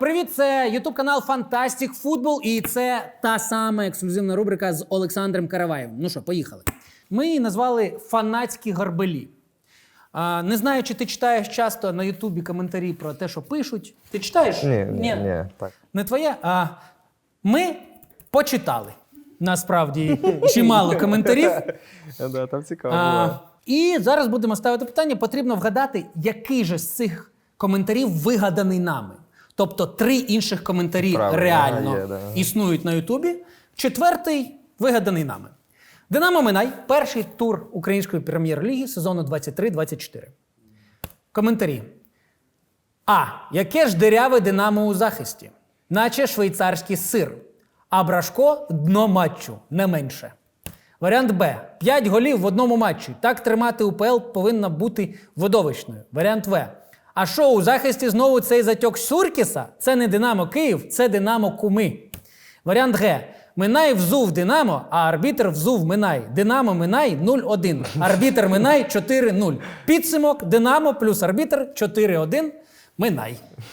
Привіт, це ютуб-канал Fantastic Football і це та сама ексклюзивна рубрика з Олександром Караваєвим. Ну що, поїхали. Ми її назвали «Фанатські гарбелі». Не знаю, чи ти читаєш часто на ютубі коментарі про те, що пишуть. Ти читаєш? Ні, так. Не твоє? Ми почитали, насправді, чимало коментарів. Да, там цікаво. І зараз будемо ставити питання. Потрібно вгадати, який же з цих коментарів вигаданий нами. Тобто 3 інших коментарі реально існують на ютубі. 4-й вигаданий нами. Динамо Минай. Перший тур Української прем'єр-ліги сезону 23-24. Коментарі. Яке ж диряве Динамо у захисті? Наче швейцарський сир. А Брашко – дно матчу, не менше. Варіант Б. 5 голів в одному матчі. Так тримати УПЛ повинна бути видовищною. Варіант В. А що, у захисті знову цей затьок Суркіса? Це не Динамо Київ, це Динамо Куми. Варіант Г. Минай взув Динамо, а арбітр взув Минай. Динамо Минай 0-1. Арбітр Минай 4-0. Підсумок Динамо плюс арбітр 4-1. Минай.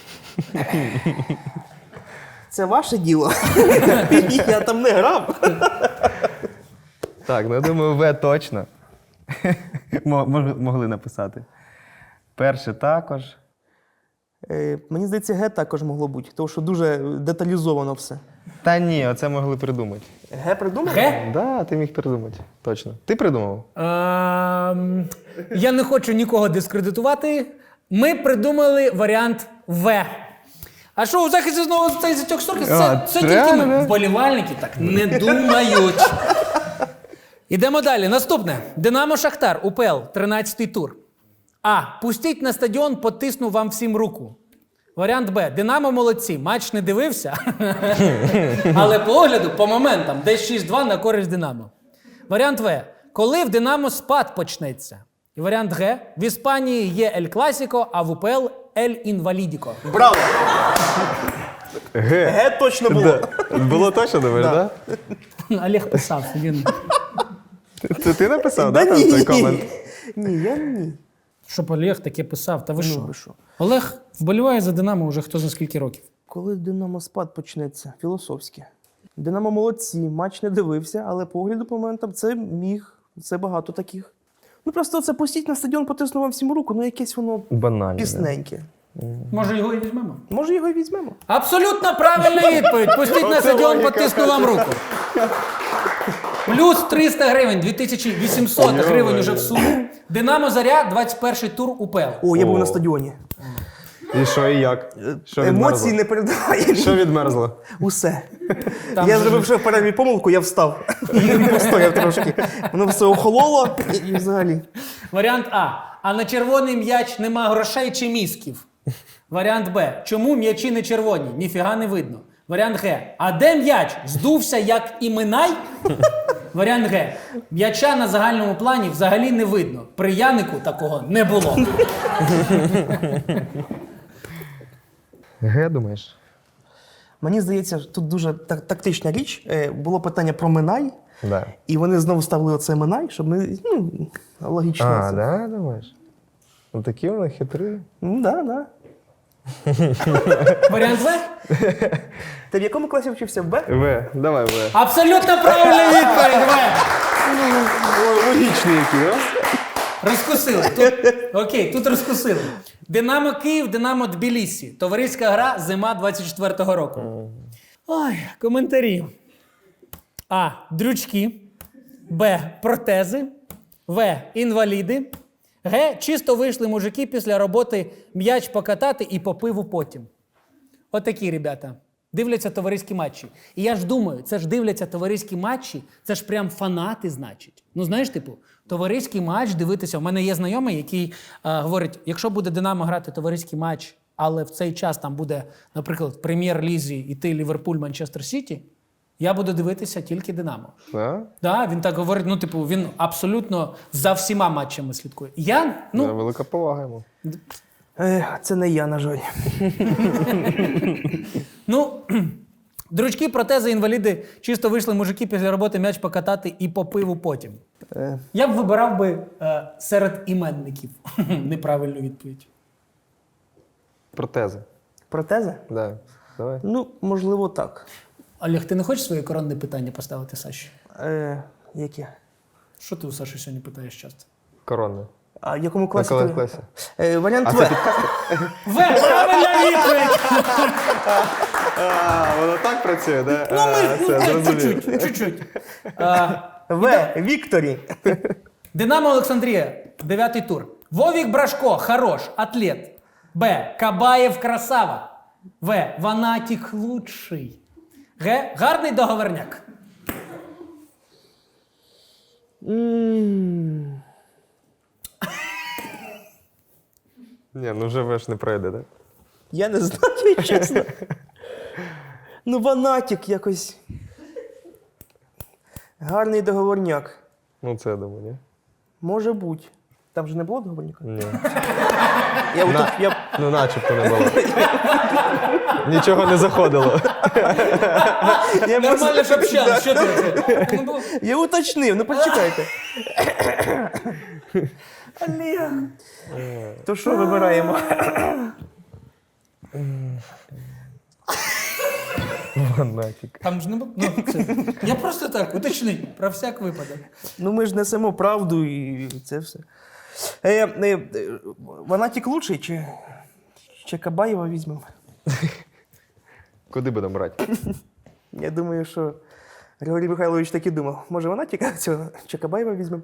Це ваше діло. Я там не грав. Так, ну я думаю, В точно. Могли написати. Перше також. Мені здається, Г також могло бути, тому що дуже деталізовано все. Та ні, оце могли придумати. Г придумав? Г? Да, ти міг придумати. Точно. Ти придумав? Я не хочу нікого дискредитувати. Ми придумали варіант В. А що, у захисті знову цей затьок Суркіса? Це тільки ми. Вболівальники так не думають. Ідемо далі. Наступне. Динамо Шахтар, УПЛ, 13-й тур. Пустіть на стадіон, потисну вам всім руку. Варіант Б. Динамо молодці. Матч не дивився. Але по огляду, по моментам, десь 6-2 на користь Динамо. Варіант В. Коли в Динамо спад почнеться. І варіант Г. В Іспанії є Ель Класіко, а в УПЛ Ель Інвалідіко. Браво! Г. Г точно було. Було точно, думаєш, так? Олег писав. Він... Це ти написав, Да так, ні. той комент? Ні, я ні. Щоб Олег таке писав, та ви Ну, що? ви що? Олег вболіває за Динамо вже хто за скільки років. Коли Динамо спад почнеться? Філософське. Динамо молодці, матч не дивився, але по огляду по моментам це багато таких. Ну просто це пустіть на стадіон, потисну вам всім руку, ну якесь воно Банально. пісненьке. Може його і візьмемо? Може його і візьмемо? Абсолютно правильна відповідь. Пустіть на стадіон, потисну вам руку. Плюс 300 гривень, 2800 гривень уже в суму. Динамо Заря, 21-й тур УПЛ. О, я був на стадіоні. І що, і як? Що Емоції відмерзло? не передаває. Що відмерзло? Усе. Там Я же зробив ще в перерві помилку, я встав. Постояв трошки. Воно все охололо і взагалі. Варіант А. А на червоний м'яч нема грошей чи мізків? Варіант Б. Чому м'ячі не червоні? Ніфіга не видно. Варіант Г. А де м'яч? Здувся як і Минай? Варіант Г. М'яча на загальному плані взагалі не видно. При Янику такого не було. Г, думаєш? Мені здається, тут дуже тактична річ. Було питання про Минай, Да. і вони знову ставили оце Минай, щоб ми, логічно. Да, думаєш? Ну такі вони хитрі. Да. Варіант В? Ти в якому класі вчився? В Б? В, давай В. Абсолютно правильна відповідь, В. Логічні які, да? Розкусили. Окей, тут розкусили. Динамо Київ, Динамо Тбілісі. Товариська гра, зима 24-го року. Ой, коментарі. А. Дрючки. Б. Протези. В. Інваліди. Г. Чисто вийшли мужики після роботи м'яч покатати і по пиву потім. Отакі, ребята. Дивляться товариські матчі. І я ж думаю, це ж дивляться товариські матчі, це ж прям фанати, значить. Ну, знаєш, типу, товариський матч дивитися. У мене є знайомий, який говорить, якщо буде Динамо грати товариський матч, але в цей час там буде, наприклад, в прем'єр-лізі іти Ліверпуль, Манчестер Сіті, я буду дивитися тільки Динамо. Да? Да, він так говорить, ну, типу, він абсолютно за всіма матчами слідкує. Я, Да, велика повага йому. Це не я, на жаль. Ну, дрючки, протези, інваліди, чисто вийшли мужики після роботи м'яч покатати і по пиву потім. Я б вибирав би серед іменників неправильну відповідь. Протези. Протези? Да. Давай. Ну, можливо, так. Олег, ти не хочеш своє коронне питання поставити Саші? Яке? Що ти у Саші сьогодні питаєш часто? Коронне. А в якому На класі? коли ти- класі? Варіант А В. це підказка? В, правильна відповідь! Воно так працює, да? Ну, чуть-чуть. В. Вікторі. Динамо Олександрія, 9-й тур. Вовік Брашко, хорош, атлет. Б. Кабаєв красава. В. Ванатік лучший. Г. Гарний договорняк. Ні, ну вже веш не пройде, так? Я не знаю, чесно. Ну, ванатік якось. Гарний договорняк. Ну це я думаю, ні? Може бути. Там же не було договорняка? Ні. Я Ну начебто не було. Нічого не заходило. Нормально ж общались, що ти? Я уточнив, ну почекайте. Олег. То що вибираємо? Ванатік. Там ж не було. Ну, це. Я просто так, уточни, про всяк випадок. Ну ми ж несемо правду і це все. Ванатік лучший чи Кабаєва візьмемо? Куди будемо брати? Я думаю, що Григорій Михайлович так і думав. Може, Ванатіка цього чи Кабаєва візьмемо?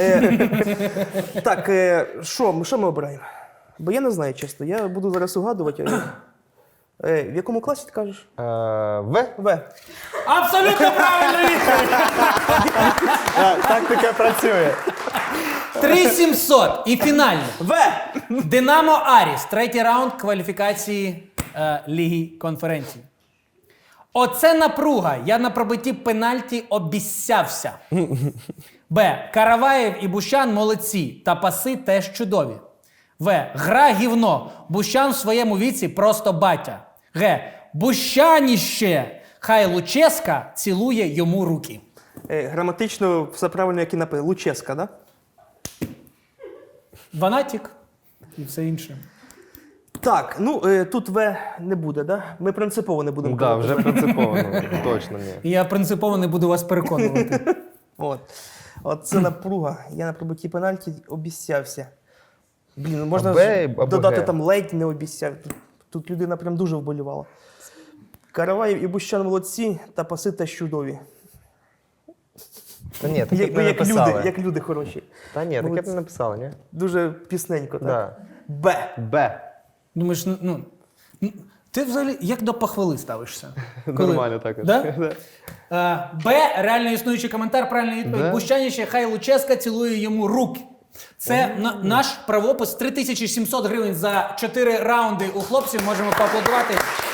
Так, що ми обираємо? Бо я не знаю, чесно. Я буду зараз угадувати. В якому класі ти кажеш? В? В. Абсолютно правильно відповідь! Так таке працює. 3700 і фінально. В. Динамо Аріс, третій раунд кваліфікації Ліги конференції. Оце напруга. Я на пробитті пенальті обіссявся. Б. Караваєв і Бущан молодці. Та паси теж чудові. В. Гра гівно. Бущан в своєму віці просто батя. Г. Бущаніще. Хай Луческа цілує йому руки. Граматично все правильно, як і написано. Луческа, да? Ванатік і все інше. Так, ну тут В не буде, да? Ми принципово не будемо Так, казати. вже принципово, ну, точно ні. І я принципово не буду вас переконувати. От це напруга. Я на пробитті пенальті обіцявся. Блін, ну можна А ж Б або додати Г? там ледь не обіцяв. Тут людина прям дуже вболівала. Караваєв і Бущан молодці, та паси теж чудові. Та ні, таке б Як, не написали. як люди хороші. Та ні, таке б не написали, ні? Дуже пісненько, так? Да. Б. Б. Думаєш, ну, ти взагалі як до похвали ставишся? Нормально також. Да? Б. Реально існуючий коментар, правильна відповідь. Да. Бущаніще, хай Луческа цілує йому руки. Це наш правопис. 3700 гривень за 4 раунди у хлопців. Можемо поаплодувати.